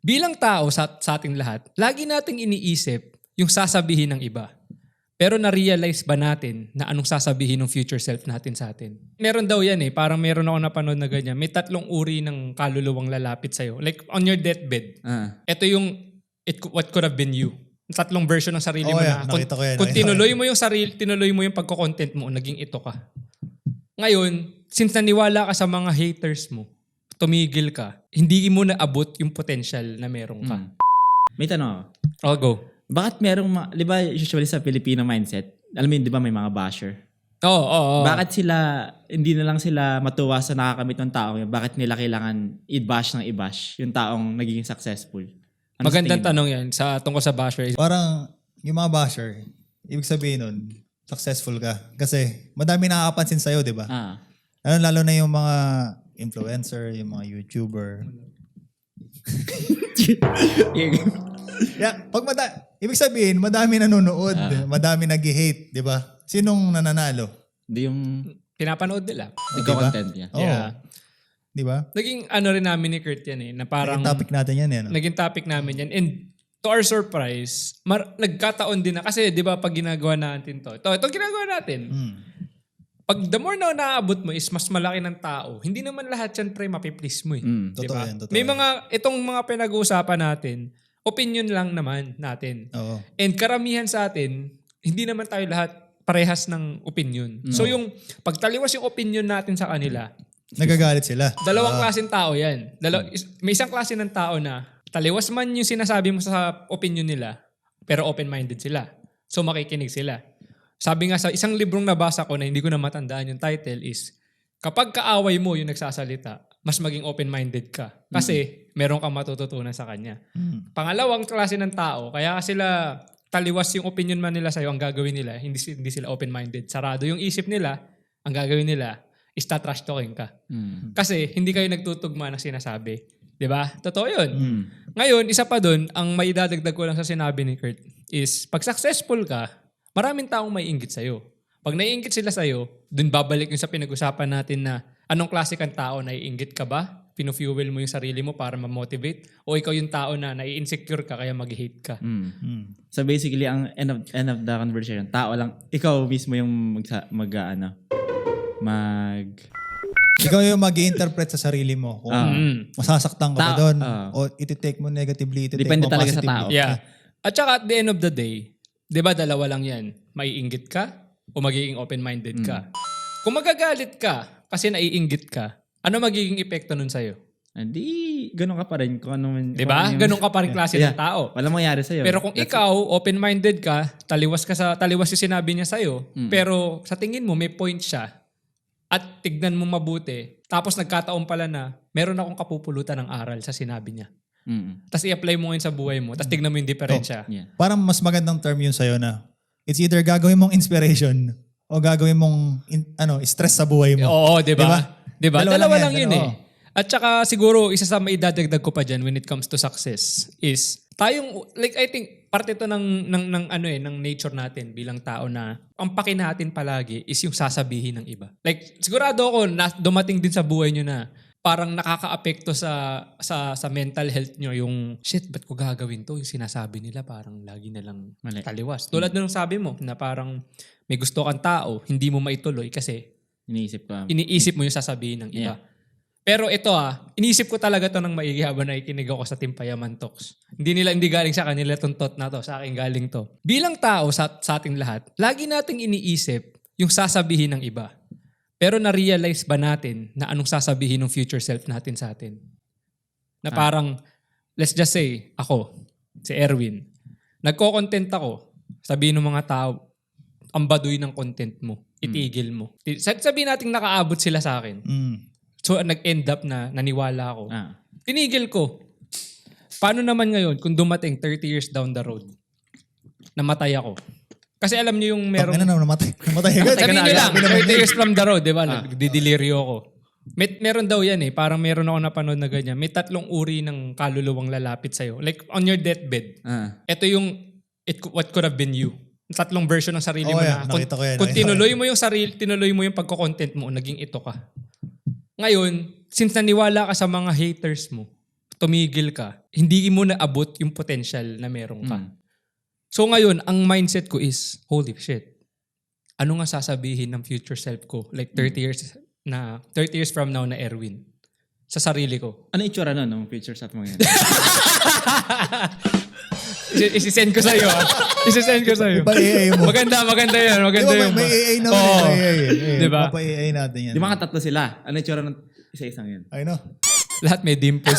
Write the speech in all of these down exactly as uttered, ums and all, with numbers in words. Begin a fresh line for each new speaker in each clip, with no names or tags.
Bilang tao sa, sa ating lahat, lagi nating iniisip yung sasabihin ng iba. Pero na-realize ba natin na anong sasabihin ng future self natin sa atin? Meron daw yan eh, parang meron ako napanood na ganyan. May tatlong uri ng kaluluwang lalapit sa'yo. Like on your deathbed.
Ah.
Ito yung it, what could have been you. Tatlong version ng sarili
Oh,
mo
yeah.
na. Kung,
Nakita ko yan,
kung
nakita ko
tinuloy
yan.
mo yung sarili, tinuloy mo yung pagko-content mo, naging ito ka. Ngayon, since naniwala ka sa mga haters mo, tumigil ka, hindi mo naabot yung potential na meron ka.
Mm. May tanong ako.
I'll go.
Bakit merong, ma- di ba usually sa Filipino mindset, alam mo yun, di ba may mga basher?
Oo, oo, oo.
Bakit sila, hindi na lang sila matuwa sa nakakamit ng taong yun? Bakit nila kailangan i-bash ng i-bash yung taong naging successful? Ano sa
Magandang
tingin mo?
tanong yan sa tungkol sa basher.
Parang yung mga basher, ibig sabihin nun, successful ka. Kasi madami nakakapansin sa'yo, di ba?
Ah.
Lalo, lalo na yung mga influencer, yung mga YouTuber. Yeah, pag mada ibig sabihin, madami nanonood,
Ah.
madami nag-hate, di ba? Sinong nananalo?
Hindi yung
Pinapanood nila.
content niya.
Oo.
Yeah.
Di ba?
Naging ano rin namin ni Kurt yan eh, na parang
Yung topic natin yan, yan.
naging topic namin yan. And to our surprise, mar- nagkataon din na, kasi di ba pag ginagawa natin to, ito, ito ginagawa natin.
Mm.
Pag the more na naaabot mo is mas malaki ng tao, hindi naman lahat yan pre mapiplease mo eh.
Mm.
Totoo
Diba?
yan, totoo
May
yan.
mga, itong mga pinag-uusapan natin, opinion lang naman natin.
Oo.
And karamihan sa atin, hindi naman tayo lahat parehas ng opinion. So yung pagtaliwas yung opinion natin sa kanila,
Nagagalit sila.
dalawang
Ah.
klaseng tao yan. Dalaw- is- may isang klase ng tao na taliwas man yung sinasabi mo sa opinion nila, pero open-minded sila. So makikinig sila. Sabi nga sa isang librong nabasa ko na hindi ko na matandaan yung title is, kapag kaaway mo yung nagsasalita, mas maging open-minded ka. Kasi meron kang matututunan sa kanya.
Mm.
Pangalawang klase ng tao, kaya sila taliwas yung opinion man nila sa'yo, ang gagawin nila, hindi, si- hindi sila open-minded. Sarado yung isip nila, ang gagawin nila is tatrash talking ka.
Mm.
Kasi hindi kayo nagtutugma ng sinasabi. Di ba? Totoo yun.
Mm.
Ngayon, isa pa dun, ang may idadagdag ko lang sa sinabi ni Kurt is, pag successful ka, maraming taong may inggit sa'yo. Pag naiinggit sila sa'yo, dun babalik yung sa pinag-usapan natin na anong klase kang tao, naiinggit ka ba? Pinu-fuel mo yung sarili mo para ma-motivate? O ikaw yung tao na nai-insecure ka kaya mag-hate ka?
Mm.
Mm.
So basically, ang end of, end of the conversation, tao lang, ikaw mismo yung mag, mag ano, mag...
Ikaw yung mag-i-interpret sa sarili mo. Kung
Ah.
Mm.
masasaktan ka ba
Ta-
doon,
ah.
o iti-take mo negatively, iti-take
Depende
mo
talaga sa
positively.
tao.
Yeah. At saka at the end of the day, di ba dalawa lang yan? Maiinggit ka o magiging open-minded ka? Kung magagalit ka kasi naiinggit ka, ano magiging epekto nun sa'yo?
Hindi, ganun ka pa rin. Kung ano man,
Di
kung
ba?
ano yung-
Ganun ka pa rin klase
Yeah.
ng tao.
Walang mangyari sa'yo.
Pero kung
That's
ikaw, open-minded ka, taliwas ka sa taliwas yung sinabi niya sa'yo,
Mm.
pero sa tingin mo may point siya at tignan mo mabuti, tapos nagkataon pala na meron akong kapupulutan ng aral sa sinabi niya.
it. Mm.
Tapos i-apply mo ngayon sa buhay mo, tapos tignan mo yung diferensya.
Yeah.
Parang mas magandang term yun sa'yo na it's either gagawin mong inspiration o gagawin mong in- ano stress sa buhay mo.
Oo, di
Di ba?
ba? Di ba?
Dalawa
Dalawa,
lang
lang
yan,
yun
dalawa.
eh. At saka siguro, isa sa maidadagdag ko pa dyan when it comes to success is, tayong, like I think, parte ito ng, ng, ng, ano eh, ng nature natin bilang tao na ang paki natin palagi is yung sasabihin ng iba. Like, sigurado ako, na, dumating din sa buhay nyo na parang nakaka-apekto sa, sa, sa mental health nyo yung, shit, ba't ko gagawin to? Yung sinasabi nila parang lagi na lang
Mali.
taliwas. Tulad nung sabi mo, na parang may gusto kang tao, hindi mo maituloy kasi
Iniisip ko.
iniisip mo yung sasabihin ng iba. Pero ito ah, iniisip ko talaga to ng maigi habang nakikinig ako sa Team Payaman Talks. Hindi nila, hindi galing sa kanila itong thought na to, sa akin galing to. Bilang tao sa, sa ating lahat, lagi nating iniisip yung sasabihin ng iba. Pero na-realize ba natin na anong sasabihin ng future self natin sa atin? Na parang, let's just say, ako, si Erwin, nagko-content ako, sabihin ng mga tao, ang baduy ng content mo, itigil mo. Sabihin natin nakaabot sila sa akin.
Mm.
So, nag-end up na naniwala ako.
Ah.
Tinigil ko. Paano naman ngayon kung dumating thirty years down the road, namatay ako? Kasi alam niyo yung
Meron
merong...
na namatay. Namatay agad.
Sabihin niyo lang,
Sabi naman
thirty
yun.
years from the road, di ba? Nagdidelirio ako. May, meron daw yan eh. Parang meron ako napanood na ganyan. May tatlong uri ng kaluluwang lalapit sa'yo. Like on your deathbed.
Ah.
Ito yung it, what could have been you. Tatlong version ng sarili
Oh,
mo
yeah.
na. Kung,
Nakita ko yan,
kung
nakita ko
tinuloy mo yung sarili, tinuloy mo yung pagko-content mo, naging ito ka. Ngayon, since naniwala ka sa mga haters mo, tumigil ka, hindi mo naabot yung potential na meron ka.
Mm.
So ngayon, ang mindset ko is, holy shit, ano nga sasabihin ng future self ko? Like thirty years na, thirty years from now na Erwin. Sa sarili ko.
Ano itsura nun, nung picture sa mo yan?
Isi- Isisend ko sa'yo. ah. Isisend ko sa'yo.
Ipa-A I mo.
Maganda, maganda yan.
Di
Maganda
ba,
yun.
may, may A I naman.
Oo.
eh. A I, eh.
Di ba?
Papa-A I natin yan.
Di ba nga tatlo sila? Ano itsura ng isa-isang yan?
I know.
Lahat may dimples.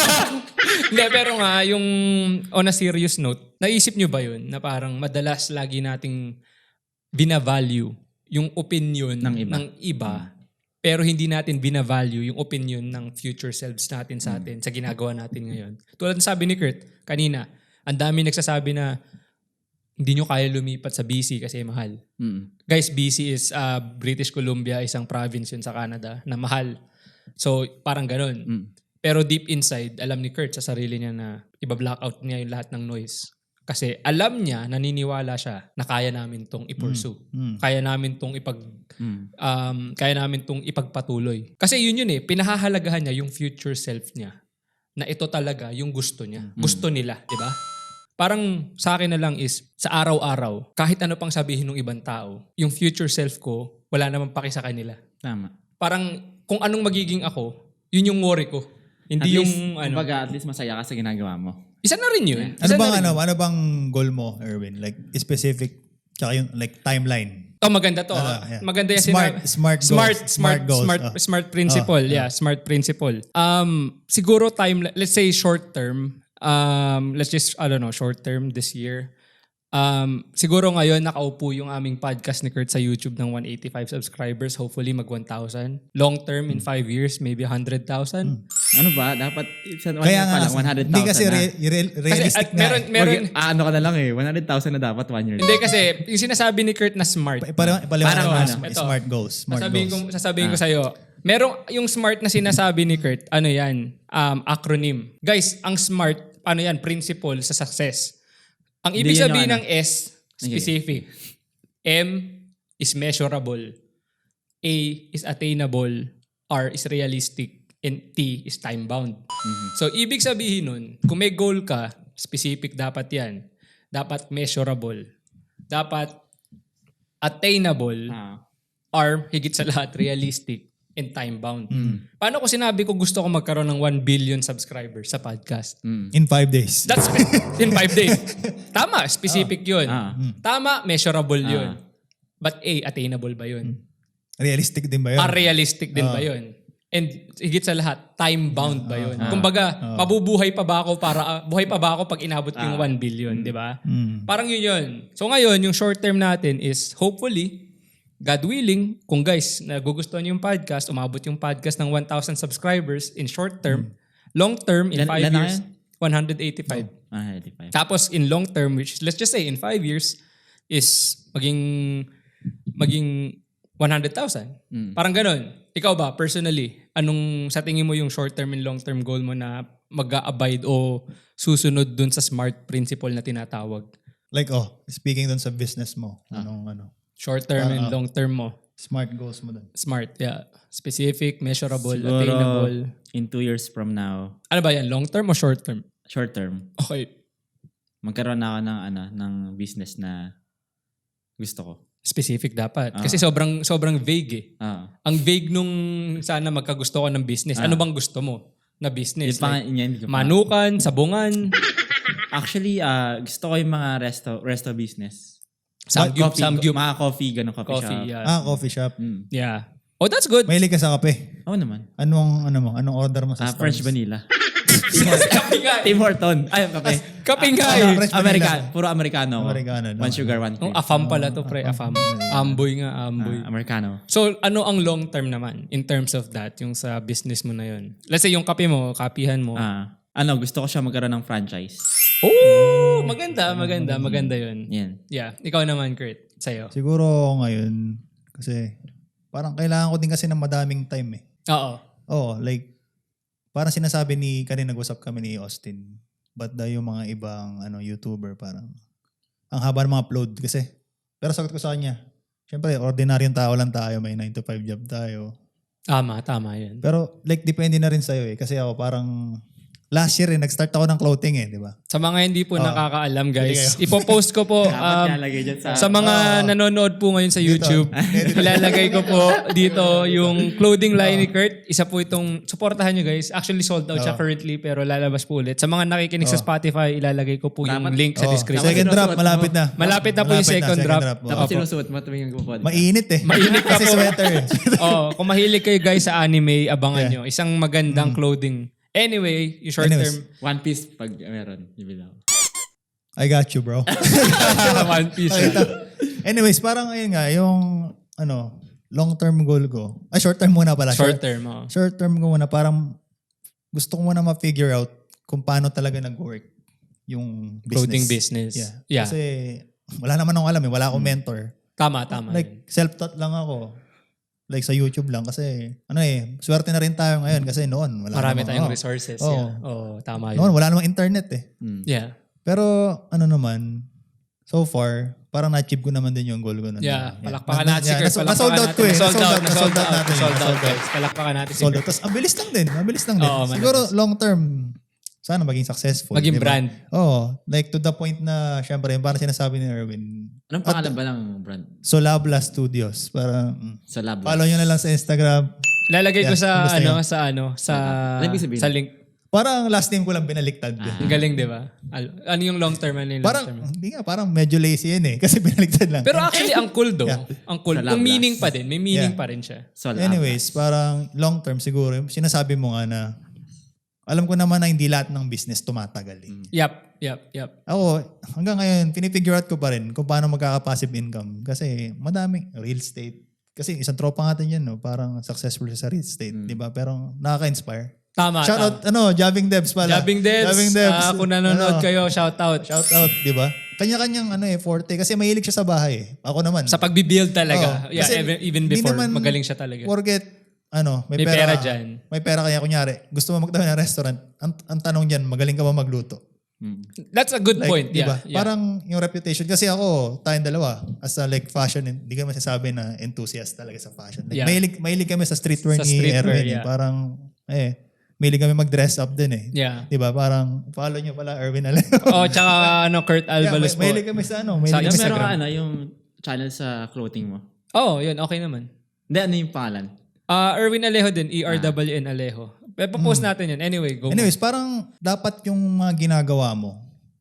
Hindi, pero nga, yung on a serious note, naisip nyo ba yun na parang madalas lagi nating binavalue yung opinion
Ng iba.
ng iba, pero hindi natin binavalue yung opinion ng future selves natin sa atin, sa ginagawa natin ngayon. Tulad ng sabi ni Kurt kanina, ang dami nagsasabi na hindi nyo kaya lumipat sa B C kasi mahal.
Mm.
Guys, B C is uh, British Columbia, isang province yun sa Canada na mahal. So, parang ganun.
Mm.
Pero deep inside, alam ni Kurt sa sarili niya na iba-blackout niya yung lahat ng noise. Kasi alam niya, naniniwala siya na kaya namin tong i-pursue.
Mm.
Kaya namin tong ipag
Mm.
um, kaya namin tong ipagpatuloy. Kasi yun yun eh, pinahahalagahan niya yung future self niya. Na ito talaga yung gusto niya. Gusto nila, di ba? Parang sa akin na lang is, sa araw-araw, kahit ano pang sabihin ng ibang tao, yung future self ko, wala namang paki sa kanila.
Tama.
Parang kung anong magiging ako, yun yung worry ko. Hindi
At
yung
least,
ano.
kumbaga, at least masaya ka sa ginagawa mo.
Isa na rin yun.
Ano
Isa
bang
na rin
ano,
yun.
ano bang goal mo, Erwin? Like specific tsaka yung like timeline.
Oh, maganda to.
Ah,
ah.
yeah.
Maganda yung
Smart,
sinabi-
smart goals.
Smart,
Smart
smart,
goals.
smart,
Ah.
smart principle.
Ah,
yeah, smart principle. Um, siguro time, let's say short term, um, let's just, I don't know, short term this year. Um, siguro ngayon nakaupo yung aming podcast ni Kurt sa YouTube ng one eighty-five subscribers. Hopefully mag one thousand. Long term in five years, maybe one hundred thousand.
Ano ba? Dapat, sa one
Kaya
year
nga,
pa lang, one hundred thousand
hindi kasi
na.
re- re-
Kasi
realistic
at
na.
meron,
eh.
meron,
Mag- ah, ano ka na lang eh. one hundred thousand na dapat one year.
hindi kasi yung sinasabi ni Kurt na smart.
Pa- Parang ipaliwanag
Parang
mo,
ano,
smart,
ito.
smart goals. Smart
sasabihin
goals.
ko, sasabihin ko sa'yo, merong yung smart na sinasabi ni Kurt, ano yan, um, acronym. Guys, ang smart, ano yan, principle sa success. Ang
Hindi
ibig
yun yung
sabihin
ano.
ng S, specific. M is measurable. A is attainable. R is realistic. And T is time-bound. So, ibig sabihin nun, kung may goal ka, specific dapat yan. Dapat measurable. Dapat attainable.
Ah.
R, higit sa lahat, realistic and time-bound. Paano ko sinabi ko gusto ko magkaroon ng one billion subscribers sa podcast?
Mm.
In five days.
That's in five days. Tama, specific yun.
Ah.
Tama, measurable yun. But A, attainable ba yun?
Realistic din ba yun?
R, realistic din ba yun? And higit sa lahat, time-bound ba yun? Kumbaga, mabubuhay pa ba ako para, uh, buhay pa ba ako pag inabot ko yung one billion, di ba?
Mm.
Parang yun yun. So ngayon, yung short term natin is hopefully, God willing, kung guys, nagugustuhan niyo yung podcast, umabot yung podcast ng one thousand subscribers in short term, long term, in
Ilan-
five
ilan na
years,
kayo?
one hundred eighty-five.
one hundred eighty-five.
Tapos in long term, which let's just say in five years, is maging maging one hundred thousand.
Mm.
Parang ganun. Ikaw ba, personally, anong sa tingin mo yung short term and long term goal mo na mag-a-abide o susunod dun sa SMART principle na tinatawag?
Like, oh, speaking dun sa business mo, anong ano,
Short term and
Ah, ah.
long term mo.
smart goals mo dun.
SMART, yeah. Specific, measurable,
Siguro,
attainable.
in two years from now,
Ano ba yan? Long term o short term?
short term,
Okay.
magkaroon na ako ng, ano, ng business na gusto ko.
Specific dapat.
Ah.
Kasi sobrang sobrang vague eh.
Ah.
Ang vague nung sana magkagusto ko ng business. Ano bang gusto mo na business?
Yung pa,
Like,
yun, hindi ko pa-
manukan, sabungan,
Actually, ah, gusto ko yung mga resto resto business.
samgyup,
coffee,
samgyup,
Mga coffee, ganun, coffee,
coffee.
shop.
Yeah.
Ah, coffee shop.
Mm.
yeah. Oh, that's good.
Mahilig ka sa kape.
Oo naman.
Anong, ano mo? Anong order mo sa
Ah, French
Starbucks?
vanilla.
Kape nga.
Tim Horton. Ay, kape.
Kape nga
Ah,
eh.
French vanilla.
American. Puro Americano. ako.
Americano, no?
One sugar, one
Oh,
cream.
afam pala to, pre. Afam. Amboy nga, amboy.
Ah, Americano.
So, ano ang long term naman in terms of that, yung sa business mo na yun? Let's say, yung kape mo, kapihan mo.
Ah, ano, gusto ko siya magkaroon ng franchise.
Oh, maganda, maganda, maganda yun.
Yan.
Yeah. Ikaw naman, Kurt. Sa'yo.
Siguro ngayon, kasi parang kailangan ko din kasi ng madaming time eh.
Oo.
Oo, like, parang sinasabi ni, kanina nag-usap kami ni Austin, but daw yung mga ibang ano YouTuber parang, ang haba ng mga upload kasi. Pero sagot ko sa kanya, syempre, ordinaryong tao lang tayo, may nine to five job tayo.
Tama, tama yun.
Pero like, depende na rin sa'yo eh. Kasi ako parang, last year eh, nag-start ako ng clothing eh, di ba?
Sa mga hindi po
Oo.
nakakaalam
Hindi
guys, ipopost ko po
Dapat
um,
nilalagay dyan sa...
sa mga nanonood po ngayon sa YouTube. Ilalagay ko po dito yung clothing line ni Kurt. Isa po itong, supportahan nyo guys. Actually sold out siya currently pero lalabas po ulit. Sa mga nakikinig sa Spotify, ilalagay ko po yung
Dapat-
link sa
Oh,
description.
second drop,
sinusuot mo.
malapit na.
Malapit na po yung second drop.
Oo.
Dapat
Opo.
sinusuot mo tuwing nagpo-podcast.
Mainit eh.
Mainit ka
Kasi
po.
sweater eh.
Oh, kung mahilig kayo guys sa anime, abangan
Yeah.
nyo. Isang magandang clothing. Anyway, yung short
Anyways.
term
One piece pag meron. Bibili ako.
I got you, bro.
One Piece.
Okay, ito. Anyways, parang ayun nga, yung ano, long-term goal ko. Ay, short-term muna pala.
Short term. Oh.
Short-term ko muna, parang gusto ko muna ma-figure out kung paano talaga nag-work yung business.
Clothing business.
Yeah.
Yeah.
Kasi wala naman akong alam eh. Wala akong mentor.
Tama, tama.
Like, self-taught lang ako. Like sa YouTube lang kasi ano eh, swerte na rin tayo ngayon kasi noon wala
Marami
namang-
tayong
oh.
resources.
Oo.
Yeah. Oh, tama yun.
Noon wala namang internet eh.
Hmm.
Yeah.
Pero ano naman, so far, parang na-achieve ko naman din yung goal ko. Nun.
Yeah,
Yeah.
palakpakan
Na-
natin si
yeah,
Kurt.
nas- na-sold out ko eh.
Sold out,
Na-sold
sold
out
out
natin.
Sold out,
Na-sold out.
guys. Palakpakan natin si
Sold
Kurt.
out. Tapos, ang bilis lang din. Mabilis lang din.
Oo, mabilis.
Siguro, long term, sana maging successful.
Maging
di ba?
brand.
Oo. Like, to the point na, syempre, yung parang sinasabi ni Erwin,
Anong pangalan ba ng brand?
Solabla Studios. Parang, mm.
Sa lab.
follow nyo na lang sa Instagram.
Lalagay ko
Yeah,
sa
basta
ano,
yun.
sa ano, sa
Ano ibig sabihin?
sa link.
Parang last name ko lang binaliktad.
Ang galing, 'di ba? Al- Ano yung long term ano yung long
Parang,
term?
hindi nga, parang medyo lazy yun eh. Kasi binaliktad lang.
Pero actually ang cool do.
Yeah.
Ang cool.
Sa
Kung
lab
meaning
last.
pa din, may meaning
Yeah.
pa rin siya.
Sa lab.
Anyways, parang long term siguro, sinasabi mo nga na, alam ko naman na hindi lahat ng business tumatagal eh.
Yep, yep, yep.
Ako, hanggang ngayon, pinifigure out ko pa rin kung paano magkaka-passive income. Kasi madaming real estate. Kasi isang tropa natin yan, no? Parang successful siya sa real estate, di ba? Pero nakaka-inspire.
Tama.
Shout out, ano, Jabbing Devs pala.
Jabbing Devs.
Jabbing Devs.
Ah, kung nanonood
Ano,
kayo, shout out.
Shout out, di ba? Kanya-kanyang ano eh, forte. Kasi mahilig siya sa bahay eh. Ako naman.
Sa pagbi-build talaga.
Oo.
Yeah,
Kasi
even, even
hindi
before,
naman
magaling siya talaga.
Forget, ano, may,
May pera dyan.
May pera kaya kunyari, gusto mo magtayo ng restaurant, ang, ang tanong dyan, magaling ka ba magluto?
Hmm.
That's a good
Like,
point.
di ba?
Yeah, yeah.
Parang yung reputation, kasi ako, tayong dalawa, as a like fashion, hindi ka masasabi na enthusiast talaga sa fashion. Like,
Yeah.
mahilig, mahilig kami sa streetwear
Sa
ni
streetwear,
Erwin.
yeah.
Eh. Parang, eh, mahilig kami mag-dress up din eh.
Yeah.
Di ba? Parang, follow nyo pala, Erwin Alejo.
Oh, tsaka ano, Kurt
yeah,
Albalos
may,
po.
mahilig kami sa ano,
Sa
mahilig
Yung
kami sa...
meron
Instagram.
ka ano, yung channel sa clothing mo.
Oh, yun, okay naman.
Hindi, ano yung pangalan?
Ah, Erwin Alejo din, E R W N Alejo. Papost natin yun. Anyway, go.
Anyways, parang dapat yung mga ginagawa mo,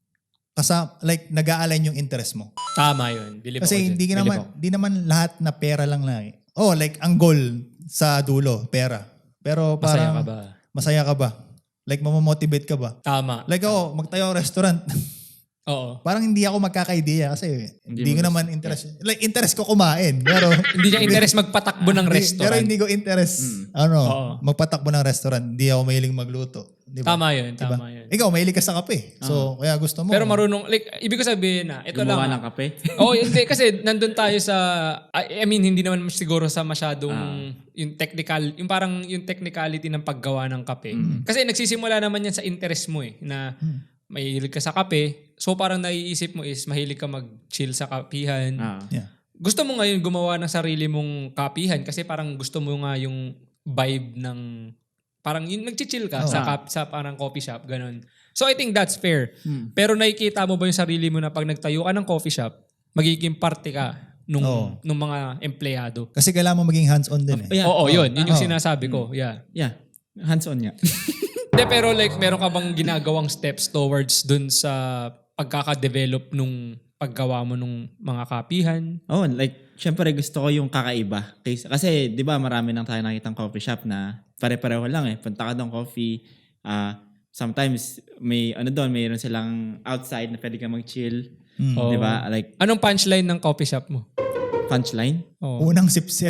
kasa, like, nag-a-align yung interest mo.
Tama yun. Believe ako
Kasi
dyan.
hindi ka
Believe
naman,
ako.
hindi naman lahat na pera lang na eh. Oh, like, ang goal sa dulo, pera. Pero
Masaya
parang,
ka ba?
Masaya ka ba? Like, mamamotivate ka ba?
Tama.
Like ako, magtayo ng restaurant.
Oo.
Parang hindi ako magkaka-idea kasi hindi,
Hindi
ko
mo
naman interest. Like, interest ko kumain. Pero,
Hindi niya interest magpatakbo ng
hindi-
restaurant.
Pero hindi ko interest, ano,
Oo.
magpatakbo ng restaurant. Hindi ako mahiling magluto. Di ba?
Tama yun,
Diba?
tama yun.
Ikaw, mahilig ka sa kape. So, kaya gusto mo.
Pero marunong, like, ibig ko sabihin na, ito
Gumawa
lang.
ng kape?
Oo, hindi. Kasi nandun tayo sa, I I mean, hindi naman siguro sa masyadong yung technical, yung parang yung technicality ng paggawa ng kape. Kasi nagsisimula naman yan sa interest mo eh, na mahilig ka sa kape. So parang naiisip mo is mahilig ka mag-chill sa kapihan.
Ah.
Yeah.
Gusto mo ngayon gumawa ng sarili mong kapihan kasi parang gusto mo nga yung vibe ng parang yung nag-chill ka
Oh.
sa kap, sa parang coffee shop, ganun. So I think that's fair.
Hmm.
Pero nakikita mo ba yung sarili mo na pag nagtayo ka ng coffee shop, magiging parte ka nung,
Oo.
nung mga empleyado?
Kasi kailangan mo maging hands-on din eh.
Yeah.
Oo, yun. Yun yung
Oo.
sinasabi ko. Yeah.
Yeah. Hands-on nga.
De, pero like, meron ka bang ginagawang steps towards dun sa pagkaka-develop nung paggawa mo nung mga kapihan?
Oh, like, syempre gusto ko yung kakaiba. Kasi, kasi di ba marami nang tayo nakitang coffee shop na pare-pareho lang eh. Punta ka doon coffee. ah sometimes may ano doon, mayroon silang outside na pwede ka mag-chill.
Mm.
Oo.
Di ba? Like,
Anong punchline ng coffee shop mo?
punchline.
Oh.
Unang sip-sip.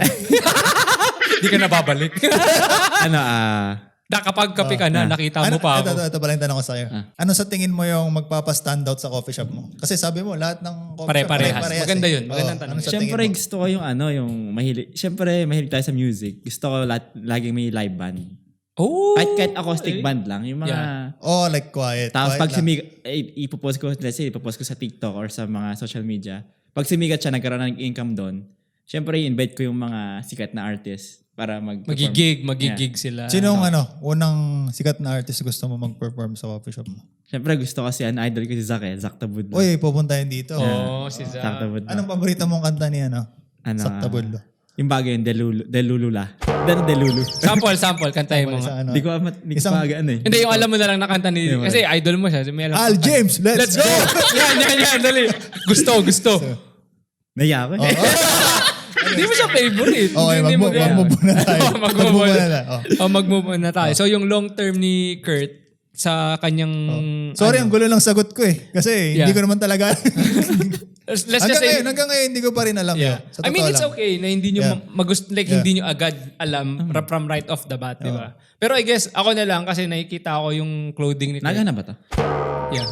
Hindi ka nababalik.
ano, ah...
Na kapag kape ka na,
Ah.
nakita mo
ano,
pa
ito,
ako.
ito, ito pala yung tanong ko sa'yo.
Ah.
Ano sa tingin mo yung magpapa-standout sa coffee shop mo? Kasi sabi mo, lahat ng coffee shop
Pare-parehas.
pare-parehas
Maganda
eh.
yun. Magandang
Oo,
tanong
ano
yun.
sa tingin
Siyempre
mo?
gusto ko yung ano, yung mahilig. Siyempre mahilig tayo sa music. Gusto ko lahat, laging may live band.
Oh!
Kahit, kahit acoustic
okay.
band lang. Yung mga...
Yeah.
Oh, like quiet.
Tapos
quiet
pag
lang.
sumigat, eh, ipopost ko, let's say, ipopost ko sa TikTok or sa mga social media. Pag sumigat siya, nagkaroon ng income doon, syempre, invite ko yung mga sikat na artist. para mag
Magigig, magigig sila.
Sinong ano, unang sikat na artist gusto mo mag-perform sa coffee shop mo?
Siyempre gusto kasi an idol ko si Zac eh, Zac Tabudlo.
Uy, pupuntahin dito.
Oo, si
Zac
Zac.
Tabudlo.
Anong paborito mong kanta ni ano?
Ano,
Zac Tabudlo.
Yung bagay yung Delulu, Delulula. Del Delulu.
Sample, sample. Kantahin mo
Sa
nga.
ano?
Hindi ko mat, hindi ko
Isang-
pa ano eh.
Hindi, yung alam mo na lang na kanta ni...
Yung
Kasi idol mo siya. May alam
Al
ka-
James, let's,
Let's go! yan, yan, yan. Dali. Gusto, gusto.
Naya ako eh.
Hindi mo siya favorite.
Okay,
Hindi mo
mag-move
kaya-
mag-move na tayo.
Oh, mag-move
Mag-move
on.
na na. Oh.
Oh, mag-move on na tayo. So, yung long term ni Kurt sa kanyang...
Sorry, ang gulo lang sagot ko eh. Kasi
Yeah.
hindi ko naman talaga.
Let's just
hanggang
say...
ngayon, hanggang ngayon, hindi ko pa rin alam.
Yeah.
yun. Sa
I mean,
totoo
it's
lang.
okay na hindi nyo
Yeah.
magust like
Yeah.
hindi nyo agad alam ra- from right off the bat, di ba? Pero I guess ako na lang kasi nakikita ko yung clothing ni Kurt.
Naga na ba to?
Yeah.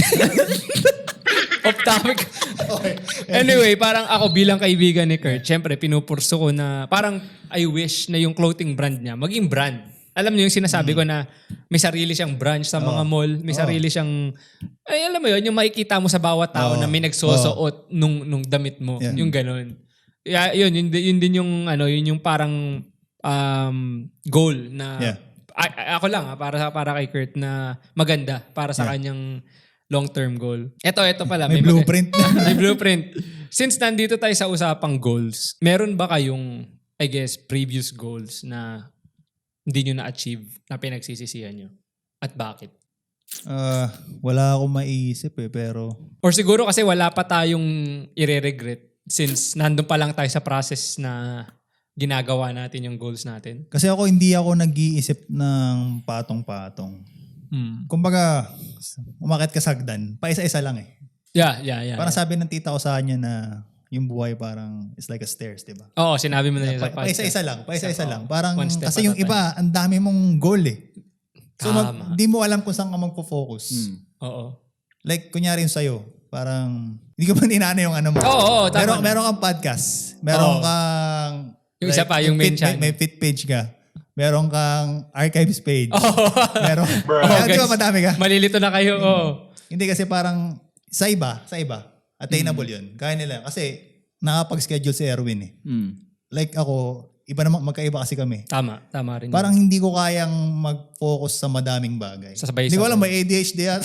Off topic. Anyway, parang ako bilang kaibigan ni Kurt, syempre pinupurso ko na parang I wish na yung clothing brand niya maging brand. Alam niyo yung sinasabi ko na may sarili siyang branch sa mga mall, may sarili siyang ay alam mo yun, yung makikita mo sa bawat tao
Oo.
na may nagsusuot nung nung damit mo,
Yeah.
yung ganun. Yeah, yun, yun, di- yun din yung ano, yun yung parang um, goal na
Yeah.
A- a- ako lang ha, para sa para kay Kurt na maganda para sa
Yeah.
kanyang long-term goal. Ito, ito pala.
May
mag-
blueprint na.
may blueprint. Since nandito tayo sa usapang goals, meron ba kayong, I guess, previous goals na hindi nyo na-achieve na pinagsisisihan nyo? At bakit?
Ah, wala akong maiisip eh, pero
Or siguro kasi wala pa tayong ire-regret since nandun pa lang tayo sa process na ginagawa natin yung goals natin.
kasi ako hindi ako nag-iisip ng patong-patong.
Hmm.
Kumbaga, umakit ka sa hagdan, paisa-isa lang eh.
Yeah, yeah, yeah.
Parang sabi ng tita ko sa kanya na yung buhay parang it's like a stairs, di ba?
Oo, sinabi mo na yun sa
Pa,
podcast.
paisa-isa lang, paisa-isa
Oo.
lang. Parang
One step
kasi
at a
yung
time.
iba, ang dami mong goal eh. So
Tama.
mag, di mo alam kung saan ka magpo-focus.
Hmm.
Oo.
Like kunyari yung sa'yo, parang hindi ko pa ninana yung ano mo.
Oo, oo, tama
meron,
na.
meron kang podcast. Meron
Oo.
kang
Yung isa pa, yung main
fit,
channel.
May, may fit page ka. Meron kang archives page.
Oo.
Meron.
Oh,
Kaya di
guys.
ba madami ka?
Malilito na kayo. Oo.
Hindi kasi parang sa iba, sa iba, attainable
Mm.
yun. Kaya nila. Kasi nakapag-schedule si Erwin eh.
Hmm.
Like ako, iba naman, magkaiba kasi kami.
Tama. Tama rin.
Parang hindi ko kayang mag-focus sa madaming bagay.
Sasabay-
Hindi ko alam,
sabay.
may A D H D at.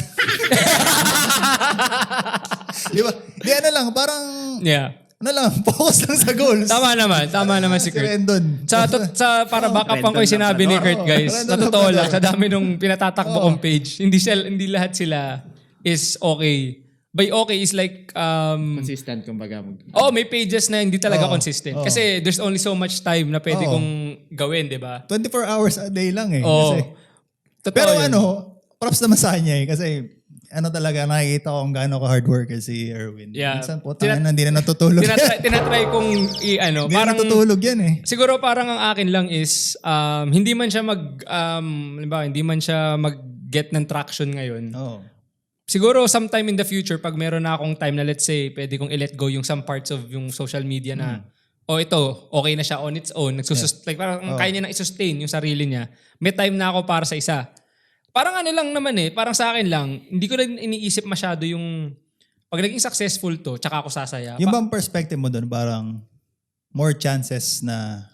Di ba? Di ano lang, parang,
Yeah.
ano lang, focus lang sa goals.
Tama naman. Tama naman si
Si
Kurt.
Rendon.
Sa, to, sa para backup ko yung sinabi ni Kurt, guys.
Random
Sa totoo
lang
lang,
pala.
sa dami nung pinatatakbo
Oo.
kong page, hindi sila, hindi lahat sila is okay. By okay is like, um,
Consistent kumbaga. Mag-
oh, may pages na hindi talaga
Oo.
consistent.
Oo.
Kasi there's only so much time na pwede
Oo.
kong gawin, di ba?
twenty-four hours a day lang eh.
Oo.
Kasi,
Totoo
pero
yun.
ano, props naman sa kanya eh. Kasi ano talaga, nakikita ko kung gaano ka hard worker si Erwin.
Yeah.
Minsan po,
Tina-
tangin na, hindi na natutulog.
tinatry, tinatry kong i-ano,
Hindi na
parang
natutulog yan eh.
siguro parang ang akin lang is um, hindi man siya mag um, halimbawa, hindi man siya mag-get ng traction ngayon.
Oo.
Siguro sometime in the future pag meron na akong time na let's say pwede kong i-let go yung some parts of yung social media na oh ito okay na siya on its own nagsusus like parang
Oh.
kaya niya na i-sustain yung sarili niya. May time na ako para sa isa. Parang ano lang naman eh, parang sa akin lang, hindi ko rin iniisip masyado yung pag naging successful to, tsaka ako sasaya.
Yung
Pa-
bang perspective mo doon, parang more chances na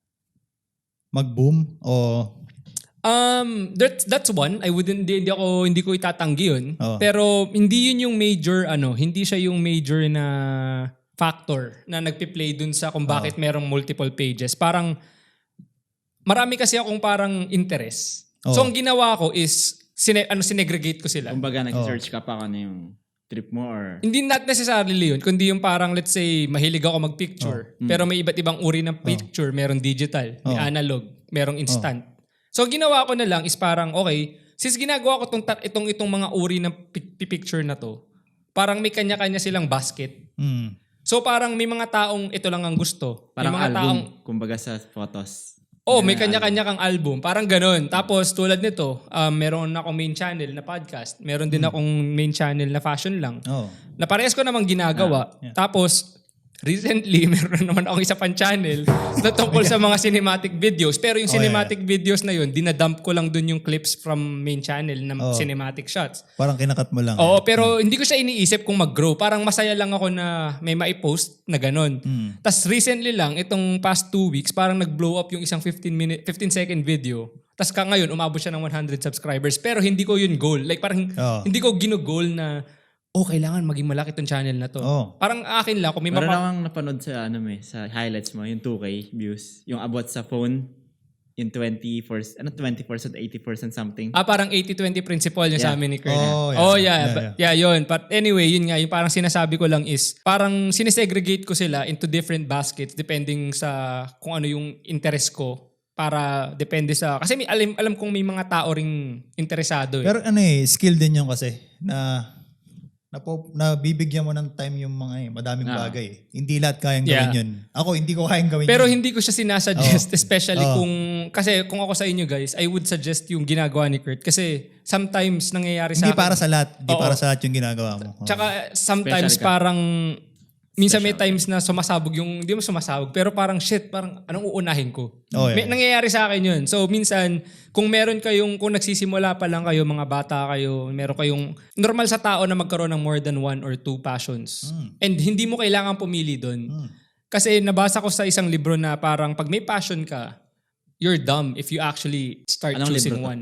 mag-boom o
Um, that's that's one. I wouldn't hindi, hindi ako hindi ko itatanggi 'yun.
Oo.
Pero hindi 'yun yung major ano, hindi siya yung major na factor na nagpi-play dun sa kung bakit merong multiple pages. Parang marami kasi akong parang interest. So
Oo.
ang ginawa ko is sine, ano sinegregate ko sila.
Kumbaga nag-search ka pa kung ano yung trip mo or...
Hindi not necessarily yun, kundi yung parang let's say mahilig ako mag-picture. Pero may iba't ibang uri ng picture. Merong digital, may
Oh.
analog, merong instant. So ginawa ko na lang is parang okay, since ginagawa ko tong, tat- itong, itong mga uri ng pi- pi- picture na to, parang may kanya-kanya silang basket.
mm,
So parang may mga taong ito lang ang gusto.
Parang
may mga
album.
taong,
Kumbaga sa photos.
oh may kanya-kanya kang album. Parang ganun. Tapos tulad nito, um, meron akong main channel na podcast. Meron din akong main channel na fashion lang.
oh.
Na parehas ko namang ginagawa.
Ah, yeah.
Tapos, recently, meron na naman akong isa pang channel na tungkol sa mga cinematic videos. Pero yung
Oh,
cinematic videos na yun, dinadump ko lang dun yung clips from main channel na
Oh.
cinematic shots.
Parang kinakat mo lang.
Oo, pero hindi ko siya iniisip kung mag-grow. Parang masaya lang ako na may maipost na ganun.
Mm.
Tapos recently lang, itong past two weeks, parang nag-blow up yung isang fifteen minute, fifteen second video. Tapos ka ngayon, umabot siya ng one hundred subscribers. Pero hindi ko yun goal. Like parang
Oo.
hindi ko gino-goal na, oh, kailangan maging malaki tong channel na to.
Oo.
Parang akin lang, kung may
Meron
mapa-
akong napanood sa, ano may, sa highlights mo, yung two K views. Yung about sa phone, yung twenty percent, ano twenty percent, eighty percent something.
Ah, parang eighty twenty principle yung sa
Yeah.
amin ni Kurt.
Oh, yeah.
Oh, yeah.
Yeah,
But,
yeah.
yeah, yun. But anyway, yun nga. Yung parang sinasabi ko lang is, parang sinesegregate ko sila into different baskets depending sa kung ano yung interest ko. Para depende sa... Kasi may, alam, alam kong may mga tao ring interesado. Eh.
Pero ano eh, skill din yun kasi na na, po, na bibigyan mo ng time yung mga eh, madaming
Ah.
bagay. Eh. Hindi lahat kayang
Yeah.
gawin yun. Ako, hindi ko kayang gawin
Pero
yun.
hindi ko siya sinasuggest, especially
Oo.
kung... Kasi kung ako sa inyo guys, I would suggest yung ginagawa ni Kurt. Kasi sometimes nangyayari sa
Hindi
akin-
para sa lahat. Hindi
Oo.
para sa lahat yung ginagawa mo. Oo.
Tsaka sometimes
Special ka.
parang minsan may times na sumasabog yung hindi mo sumasabog pero parang shit, parang anong uunahin ko?
Oh, yeah.
May, nangyayari sa akin yun. So minsan kung meron kayong kung nagsisimula pa lang kayo, mga bata kayo, meron kayong normal sa tao na magkaroon ng more than one or two passions.
Mm.
And hindi mo kailangan pumili doon.
Mm.
Kasi nabasa ko sa isang libro na parang pag may passion ka, you're dumb if you actually start
Anong
choosing
libro to?
one.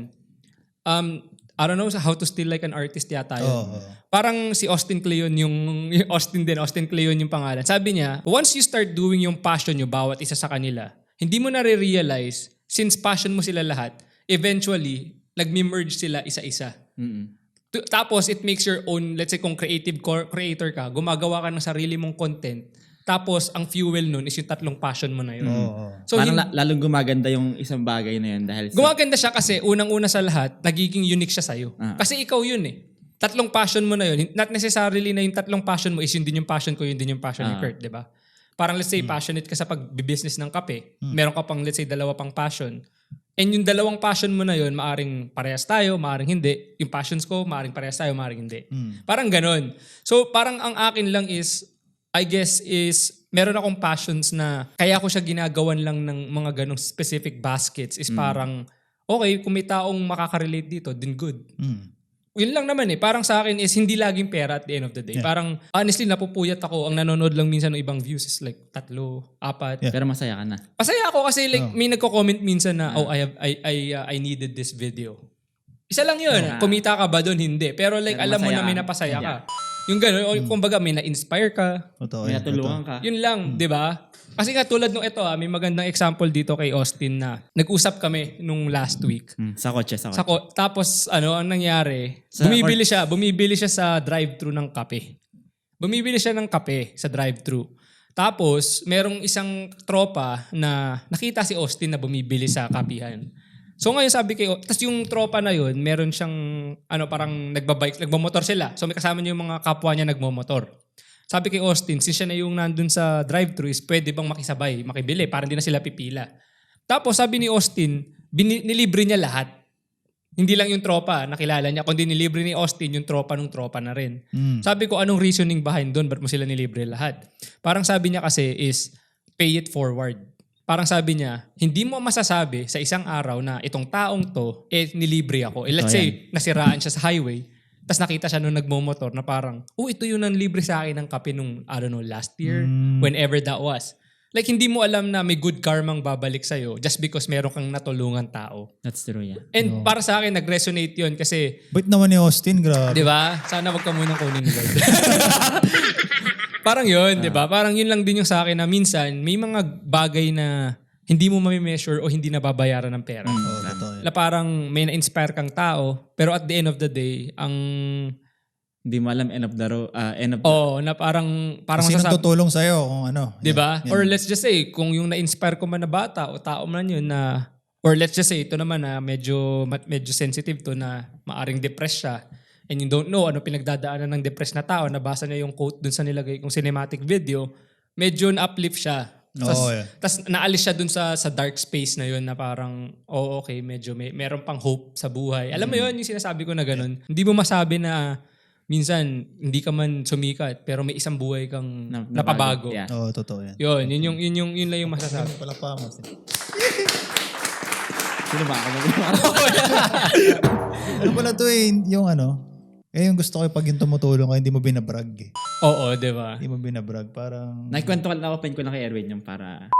Um, I don't know, How to Steal Like an Artist yata yun.
Oo, oo.
Parang si Austin Kleon yung, yung Austin din, Austin Kleon yung pangalan. Sabi niya, once you start doing yung passion nyo, bawat isa sa kanila, hindi mo na-realize, since passion mo sila lahat, eventually, nag-merge sila isa-isa.
Mm-mm.
Tu- Tapos, it makes your own, let's say kung creative cor- creator ka, gumagawa ka ng sarili mong content, tapos ang fuel nun is yung tatlong passion mo na yun.
Oo, oo.
So,
Parang
hin-
la- lalong gumaganda yung isang bagay na yun dahil sa...
gumaganda siya kasi unang-una sa lahat, nagiging unique siya sa'yo.
Ah.
Kasi ikaw yun eh. Tatlong passion mo na yun. Not necessarily na yung tatlong passion mo is yun din yung passion ko, yun din yung passion ni
Ah.
Kurt, di ba? Parang let's say passionate ka sa pag-business ng kape. Meron ka pang let's say dalawa pang passion. And yung dalawang passion mo na yun, maaring parehas tayo, maaring hindi. Yung passions ko, maaring parehas tayo, maaring hindi.
Mm.
Parang ganun. So parang ang akin lang is, I guess is, meron akong passions na kaya ko siya ginagawan lang ng mga ganong specific baskets is parang, okay, kung may taong makaka-relate dito, then good.
Mm.
Yun lang naman eh. Parang sa akin is hindi laging pera at the end of the day.
Yeah.
Parang honestly, napupuyat ako. Ang nanonood lang minsan ng ibang views is like tatlo, apat.
Yeah.
Pero masaya ka na.
Pasaya ako kasi like
Oh.
may nagko-comment minsan na, oh, I have I I uh, I needed this video. Isa lang yun.
Yeah.
Kumita ka ba doon? Hindi. Pero like
Pero
alam mo
masaya
na may
ka.
napasaya ka.
Yeah.
Yung gano'n, o kumbaga may na-inspire ka.
Totoo
May
yan.
natulungan
Totoo.
ka.
Yun lang, di ba? Kasi nga tulad nung ito, ah, may magandang example dito kay Austin na nag-usap kami nung last week.
Mm, sa kotse, sa kotse.
Sa ko- tapos ano ang nangyari?
Sa-
bumibili siya, bumibili siya sa drive-thru ng kape. Bumibili siya ng kape sa drive-thru. Tapos merong isang tropa na nakita si Austin na bumibili sa kapihan. So ngayon sabi kay tapos yung tropa na yun, meron siyang ano parang nagbabike, nagmamotor sila. So may kasama niya yung mga kapwa niya nagmamotor. Sabi kay Austin, since siya na yung nandun sa drive-thru is pwede bang makisabay, makibili para hindi na sila pipila. Tapos sabi ni Austin, bini- nilibre niya lahat. Hindi lang yung tropa, nakilala niya, kundi nilibre ni Austin yung tropa nung tropa na rin.
Mm.
Sabi ko, anong reasoning behind doon? Ba't mo sila nilibre lahat? Parang sabi niya kasi is, pay it forward. Parang sabi niya, hindi mo masasabi sa isang araw na itong taong to, eh, nilibre ako. Eh, let's
Oh,
say, nasiraan siya sa highway, tapos nakita siya nung nagmomotor na parang, oh, ito yung nanlibre sa akin ng kape nung, I don't know, last year,
Mm.
whenever that was. Like, hindi mo alam na may good karmang babalik sa'yo just because meron kang natulungan tao.
That's true, yeah.
And para sa akin, nag-resonate yun kasi,
Bait naman ni Austin, grabe.
di ba? Sana wag ka munang kunin ni Lord. Parang yun, di ba? Parang yun lang din yung sa akin na minsan, may mga bagay na hindi mo mami-measure o hindi nababayaran ng pera.
Oo, totoo yan.
Na parang may na-inspire kang tao, pero at the end of the day, ang...
Hindi mo alam end of the road, uh, end of the...
Oh, na parang... parang
Sino
masasab-
tutulong sa'yo kung ano.
Di ba?
Yan,
Or
yan.
let's just say, kung yung na-inspire ko man na bata o tao man yun na... Or let's just say, ito naman na medyo, medyo sensitive to na maaring depressed siya. And you don't know ano pinagdadaanan ng depressed na tao. Nabasa niya yung quote dun sa nilagay kong cinematic video. Medyo na-uplift siya. Tas,
Oo, yeah.
tas naalis siya dun sa sa dark space na yun na parang, oh okay, medyo may, meron pang hope sa buhay. Alam mo yun, yung sinasabi ko na ganun. Hindi mo masabi na minsan hindi ka man sumikat pero may isang buhay kang
Na-
napabago.
Yeah.
Oo, totoo yan.
Yun, yun yung yun yung yun lang yung masasabi.
Pala pa mo.
Sino ba ako?
Ano pala to eh, yung ano, eh yung gusto ko eh, pag yung tumutulong ka, hindi mo binabrag eh.
Oo, 'di ba?
Hindi mo binabrag, parang...
Nakikwento ko lang, open ko lang kay Erwin yung para